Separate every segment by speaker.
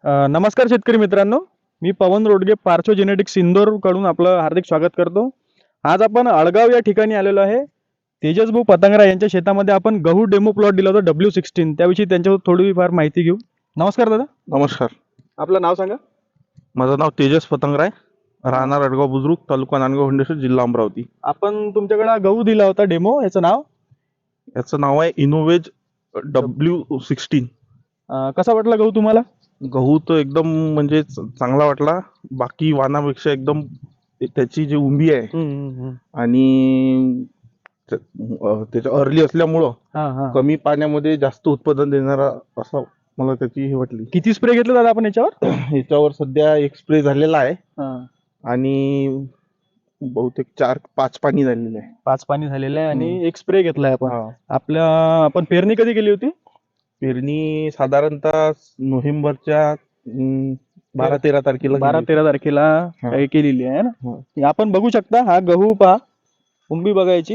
Speaker 1: नमस्कार शेतकरी मित्रांनो, मी पवन रोडगे पार्चो जेनेटिक्स इंदोर कडून आपलं हार्दिक स्वागत करतो. आज आपण अळगाव या ठिकाणी आलेलो आहे. तेजस भाऊ पतंगरा यांच्या शेतामध्ये आपण गहू डेमो प्लॉट दिला होता W16, त्याविषयी त्यांच्यावर थोडीफार माहिती घेऊ. नमस्कार दादा,
Speaker 2: नमस्कार.
Speaker 1: आपलं नाव सांगा.
Speaker 2: माझं नाव तेजस पतंगराय, राहणार अडगाव बुद्रुक, तालुका नांदगाव हिंडेश्वर, जिल्हा अमरावती.
Speaker 1: आपण तुमच्याकडे गहू दिला होता डेमो, याचं नाव
Speaker 2: याचं नाव आहे इनोवेज W16.
Speaker 1: कसा वाटला गहू तुम्हाला?
Speaker 2: गहू तर एकदम म्हणजे चांगला वाटला. बाकी वाणापेक्षा एकदम त्याची जी उंबी आहे आणि त्याच्या अर्ली असल्यामुळं कमी पाण्यामध्ये जास्त उत्पादन देणारा असं मला त्याची हे वाटली.
Speaker 1: किती स्प्रे घेतलं दादा आपण याच्यावर?
Speaker 2: याच्यावर सध्या एक स्प्रे झालेला आहे आणि बहुतेक 4-5 पाणी झालेले आहे.
Speaker 1: 5 पाणी झालेलं आहे आणि एक स्प्रे घेतलाय आपण.
Speaker 2: हा.
Speaker 1: आपण पेरणी कधी केली होती?
Speaker 2: पेरणी साधारणतः नोव्हेंबरच्या 12-13 तारखेला
Speaker 1: 12-13 तारखेला
Speaker 2: हा.
Speaker 1: केलेली आहे ना. आपण बघू शकता, हा गहू पहा, उंबी बघायची.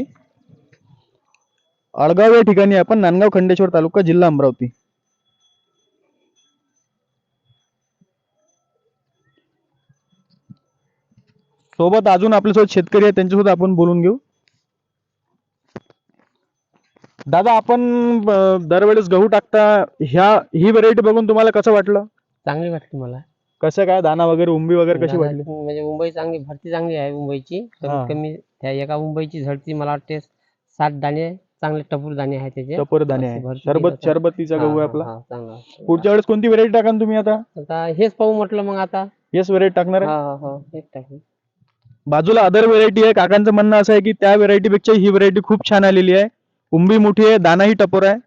Speaker 1: अळगाव या ठिकाणी आपण, नांदगाव खंडेश्वर तालुका, जिल्हा अमरावती. सोबत अजून आपल्यासोबत शेतकरी आहेत, त्यांच्यासोबत आपण बोलून घेऊ. दादा, आपण दरवेळेस गहू टाकता, ही व्हरायटी बघून तुम्हाला कसं वाटलं?
Speaker 3: चांगली वाटली मला.
Speaker 1: कसं काय, दाना वगैरे, उंबी वगैरे कशी वाटली?
Speaker 3: म्हणजे मुंबई चांगली, भरती चांगली आहे मुंबईची.
Speaker 1: हा.
Speaker 3: कमीत कमी त्या एका मुंबईची झडती मला वाटते 7 दाणे, चांगले टपूर दाणे आहेत त्याचे.
Speaker 1: टपोर दाणे
Speaker 3: अशी
Speaker 1: आहे,
Speaker 3: भरपूर
Speaker 1: शरबतीचा
Speaker 3: हा,
Speaker 1: गहू आहे
Speaker 3: हा,
Speaker 1: आपला.
Speaker 3: हा, चांगला.
Speaker 1: पुढच्या वेळेस कोणती व्हरायटी टाकाल तुम्ही?
Speaker 3: आता हेच पाहू म्हटलं मग आता.
Speaker 1: येस व्हरायटी टाकणार आहे.
Speaker 3: हा, हेच टाकू.
Speaker 1: बाजूला अदर व्हरायटी आहे. काकांचं म्हणणं असं आहे की त्या व्हरायटी पेक्षा ही व्हरायटी खूप छान आलेली आहे. उंबी मोठी आहे, दानाही टपोर आहे.